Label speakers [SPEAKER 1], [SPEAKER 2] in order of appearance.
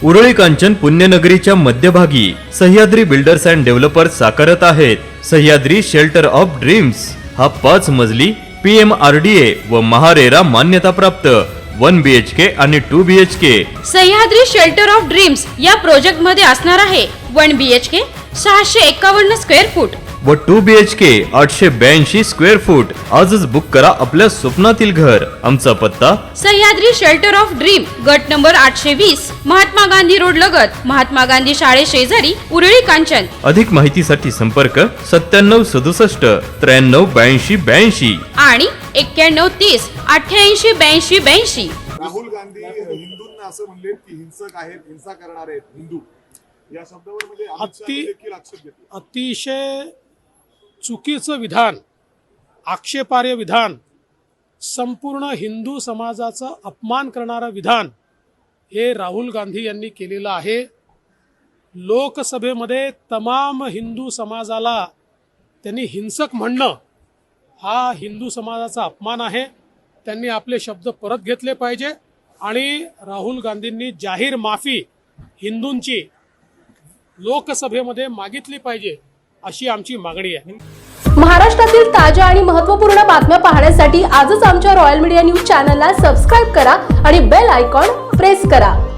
[SPEAKER 1] उरळी कांचन पुण्यनगरीच्या मध्यभागी Sahyadri builders and developers साकारत आहेत सह्याद्री शेल्टर ऑफ ड्रीम्स। हा 5 मजली PMRDA व महारेरा मान्यता प्राप्त 1 BHK आणि 2 BHK
[SPEAKER 2] Sahyadri shelter of dreams या प्रोजेक्ट मध्ये असणार आहे 1 BHK 651 स्क्वेअर फूट
[SPEAKER 1] व 2 BHK 882 स्क्वेअर फूट। आजच बुक करा आपल्या स्वप्नातील घर। आमचा पत्ता
[SPEAKER 2] सह्याद्री शेल्टर ऑफ ड्रीम, गट नंबर 820, महात्मा गांधी रोड लगत, महात्मा गांधी शाळे शेजारी, उरळी कांचन।
[SPEAKER 1] अधिक माहितीसाठी संपर्क 97 67 93 82 82
[SPEAKER 2] आणि 91 30 88 82 82।
[SPEAKER 3] राहुल गांधी हिंदूंना असं म्हणले की हिंसक आहेत, हिंसा करणार आहेत हिंदू, या शब्दावर म्हणजे अमित शहा देखील आक्षेप घेतला।
[SPEAKER 4] अतिशय चुकीचं विधान, आक्षेपार्ह विधान, संपूर्ण हिंदू समाजाचा अपमान करणारं विधान हे राहुल गांधी यांनी केलेलं आहे। लोकसभेमध्ये तमाम हिंदू समाजाला त्यांनी हिंसक म्हणणं हा हिंदू समाजाचा अपमान आहे। त्यांनी आपले शब्द परत घेतले पाहिजे आणि राहुल गांधींनी जाहीर माफी हिंदूंची लोकसभेमध्ये मागितली पाहिजे अशी आमची मागणी आहे।
[SPEAKER 5] महाराष्ट्रातील ताज्या आणि महत्त्वपूर्ण बातम्या पाहण्यासाठी आजच आमच्या रॉयल मीडिया न्यूज चॅनलला सबस्क्राइब करा आणि बेल आयकॉन प्रेस करा।